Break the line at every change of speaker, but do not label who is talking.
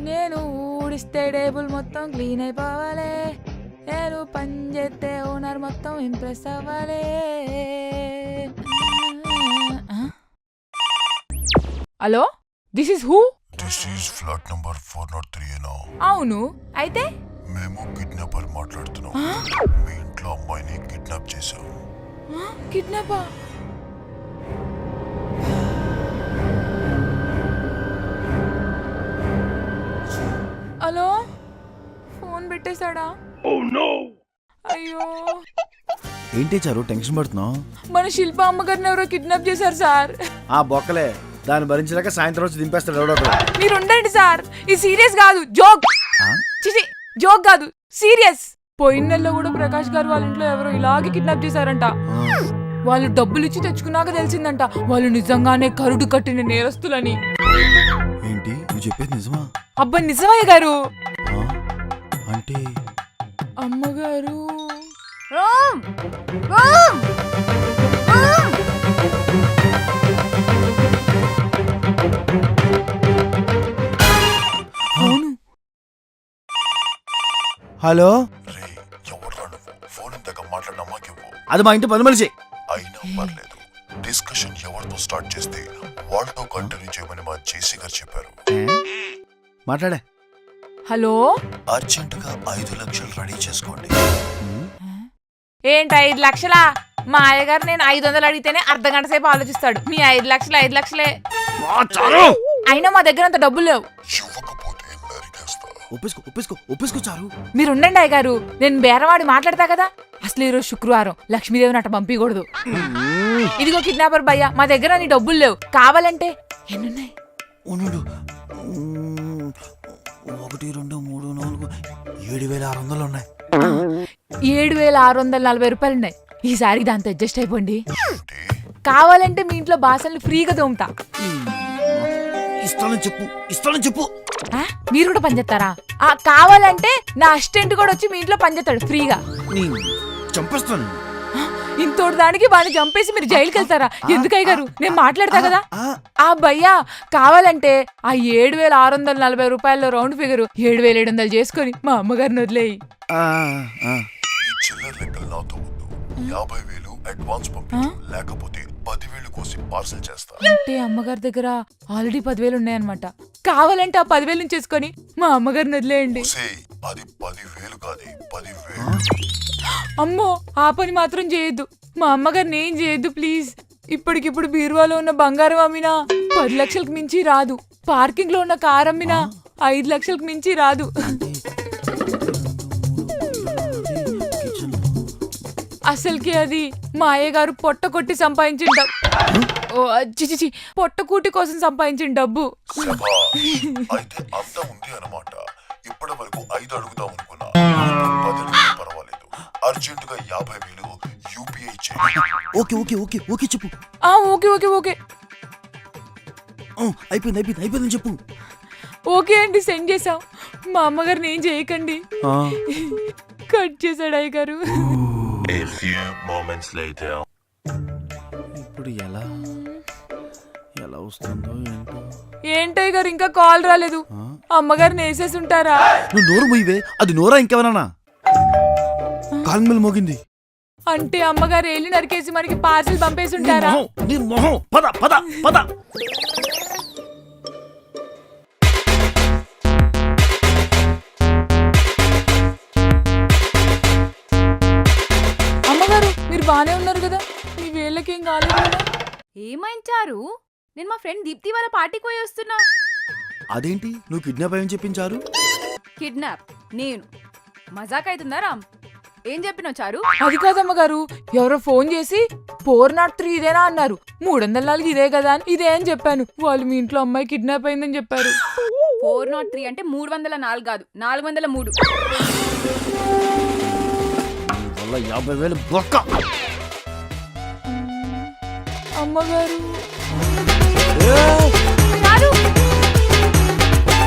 నేను ఊడిస్తే టేబుల్ మొత్తం క్లీన్ అయిపోవాలి, నేను పని చేస్తే ఓనర్ మొత్తం ఇంప్రెస్ అవ్వాలి. Hello, this is who?
This is flat number 403.
అవును, అయితే
మేము కిడ్నాపర్ మాట్లాడుతున్నాం. మీ ఇంట్లో అమ్మాయిని కిడ్నాప్ చేశాం.
కిడ్నాపా? హలో, ఫోన్ పెట్టేశాడా? అయ్యో,
ఏంటి చారు టెన్షన్ పడుతున్నావు?
మన శిల్ప అమ్మగారిని ఎవరో కిడ్నాప్ చేశారు సార్.
ఆ బొక్కలే, దాన్ని భరించలేక సాయంత్రం వచ్చి దింపేస్తాడు ఎవడో.
మీరు ఉండండి సార్, ఇది సీరియస్ కాదు, జోక్. చిచి, జోక్ కాదు, సీరియస్. పోయిన నెలలో కూడా ప్రకాష్ గారు వాళ్ళ ఇంట్లో ఎవరో ఇలాగే కిడ్నాప్ చేశారంట. వాళ్ళు డబ్బులు ఇచ్చి తెచ్చుకున్నాక తెలిసిందంట వాళ్ళు నిజంగానే కరుడు కట్టిన నేరస్తులని.
ఏంటి నువ్వు చెప్పేది నిజమా?
అబ్బా నిజమయ్య గారు.
అంటే
అమ్మగారు
హలో,
రే ఎవడ్రా నువ్వు? ఫోన్ ఇంతగా మాట్లాడిన అమ్మకివ్వు.
అది మా ఇంటి పని మనిషి.
అయినా పర్లేదు, డిస్కషన్ ఎవరితో స్టార్ట్ చేస్తే వాళ్ళతో కంటిన్యూ చేయమని మా జేసీ గారు చెప్పారు.
మాట్లాడే.
హలో,
అర్జెంటుగా 5 లక్షలు రెడీ చేసుకోండి.
ఏంటి 5 లక్షలా? మా అయ్యగారు నేను 500 అడిగితేనే అర్ధగంట సేపు ఆలోచిస్తాడు. మీ 5 లక్షలు 5 లక్షలే. అయినా మా దగ్గర అంత డబ్బులు లేవు.
ఇవ్వకపోతే నరికేస్తా.
ఒప్పేసుకో చారు.
మీరు ఉండండి అయ్యగారు, నేను బేరవాడి మాట్లాడతా కదా. అసలు ఈరోజు శుక్రవారం, లక్ష్మీదేవిని అట్ట పంపించకూడదు. ఇదిగో కిడ్నాపర్ భయ్యా, మా దగ్గర నీ డబ్బులు లేవు, కావాలంటే ఎన్నున్నాయి?
1 2 3 4 7,600 ఉన్నాయి.
7,640 రూపాయలున్నాయి. ఈసారి దాంతో అడ్జస్ట్ అయిపోండి. కావాలంటే మీ ఇంట్లో బాసల్ని ఫ్రీగా తోముతా.
ఇస్తానని చెప్పు.
మీరు కూడా పనిచేస్తారా? కావాలంటే నా అసిస్టెంట్ కూడా వచ్చి మీ ఇంట్లో పనిచేస్తాడు ఫ్రీగా.
చంపేస్తాను.
ఇంతోటి దానికి వాడిని చంపేసి మీరు జైలుకి వెళ్తారా? ఎందుకయ్య గారు, నేను మాట్లాడతా కదా. భయ్యా కావాలంటే ఆ 7,640 రూపాయల్లో రౌండ్ ఫిగర్ 7,700 చేసుకొని మా అమ్మగారిని వదిలేయి.
చిల్లర లెక్కలు నాతో వద్దు. 50,000 అడ్వాన్స్ పంపించు, లేకపోతే 10,000 కోసి పార్సల్ చేస్తా.
అంటే అమ్మగారి దగ్గర ఆల్రెడీ 10,000 ఉన్నాయన్నమాట. కావాలంటే ఆ 10,000 నుంచి చేసుకొని మా అమ్మగారిని వదిలేయండి.
అది 10,000 కాదు, 10,000.
అమ్మో, ఆ పని మాత్రం చేయొద్దు. మా అమ్మగారిని ఏం చేయొద్దు ప్లీజ్. ఇప్పటికిప్పుడు బీరువాలో ఉన్న బంగారం అమ్మినా 10 లక్షలకు మించి రాదు. పార్కింగ్ లో ఉన్న కారు అమ్మినా 5 లక్షలకు మించి రాదు. అసలుకి అది మా అయ్యగారు పొట్ట కొట్టి సంపాదించిన డబ్బు. పొట్టకూటి కోసం సంపాదించిన డబ్బు.
అయితే అంతా ఉంది అన్నమాట. ఇప్పటి వరకు 5 అడుగుదాం అనుకున్నా, 10 పర్వాలేదు. అర్జెంటుగా 50,000 యూపీఐ చేయి.
ఓకే చెప్పు.
ఓకే
అయిపోయిందని చెప్పు.
ఓకే అండి, సెండ్ చేసాం. మా అమ్మగారిని ఏం చేయకండి. కట్ చేశాడు అయ్యగారు.
ఇప్పుడు ఎలా వస్తుందో ఏంటో.
ఏంటయ్య గారు, ఇంకా కాల్ రాలేదు. అమ్మగారిని వేసేసి ఉంటారా?
నువ్వు నోరు మూయవే. అది నోరా ఇంకెవరన్నా? కాల్మెల్ మోగింది
అంటే అమ్మగారు ఏళ్ళు నరికేసి మనకి పార్సిల్ పంపేసి ఉంటారా?
పద.
అమ్మగారు మీరు బానే ఉన్నారు కదా? మీ వేళ్ళకేం కాలేదు కదా?
ఏమైంచారు? నేను మా ఫ్రెండ్ దీప్తి వాళ్ళ పార్టీకి పోయి వస్తున్నా.
అదేంటి నువ్వు కిడ్నాప్ అయ్యని చెప్పించారు?
కిడ్నాప్? నేను మజాక్ అవుతుందా రామ్? ఏం చెప్పినావు చారు?
అది కాదమ్మగారు, ఎవరో ఫోన్ చేసి 403 ఇదేనా అన్నారు. 304 ఇదే కదా అని ఇదే అని చెప్పాను. వాళ్ళు మీ ఇంట్లో అమ్మాయి కిడ్నాప్ అయిందని చెప్పారు.
403 అంటే 304 కాదు, 403.
50,000 బొక్క.
అమ్మగారు